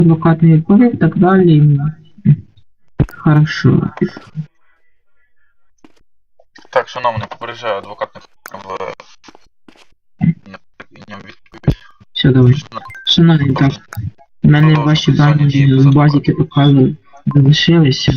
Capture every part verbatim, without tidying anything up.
адвокат не відповів, так далі. Хорошо. Так, шановний, попереджаю, адвокат не в не відповідь. Все, давай. Шановні, так. У мене ваші дані в базі КПК залишилися.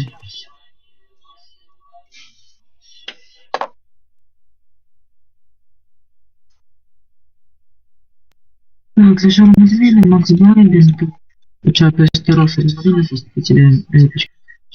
Так, за що ми звіли, Макс Байден, почав перестероси розмовилися, спеціальні випічки.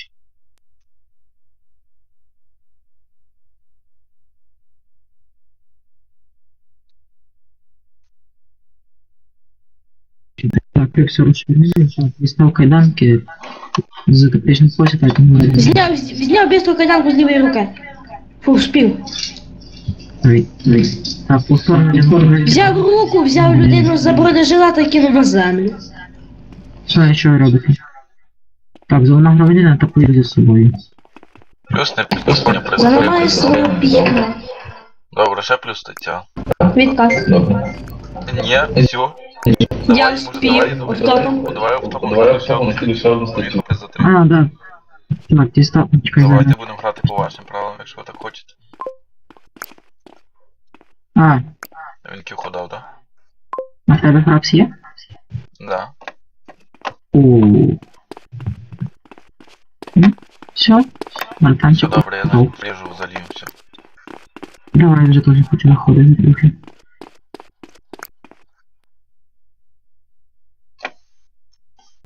Так, як все розповідає, так, дістав кайданки з тактичних посів, так, тому... Зняв, зняв бісту кайданку з лівої руки. Фу, спів. Ой, ой. Так, повторно, Взяв руку, взяв людину за бронежилета і кинув на землю. що, що ви робите? Так, зелена громадянина атакує за собою. Плюс не підписання Заламає президента. свою п'єтну. Добре, ще плюс стаття. Відказ. Ні, все. Я спів. Автопом. Давай автопом. Давай автопом, скидуй ще одну статтю. Поїхати за три. А, да. Так, дістав, чекай, Давайте зараз. будемо грати по вашим правилам, якщо ви так хочете. А, Він кіху дав, да? а в тебе фрапс є? Да. Ооо. Все? Все Мартанчик. добре, я готов. заріжу, залію, все. Давай, вже теж хочу виходити трохи.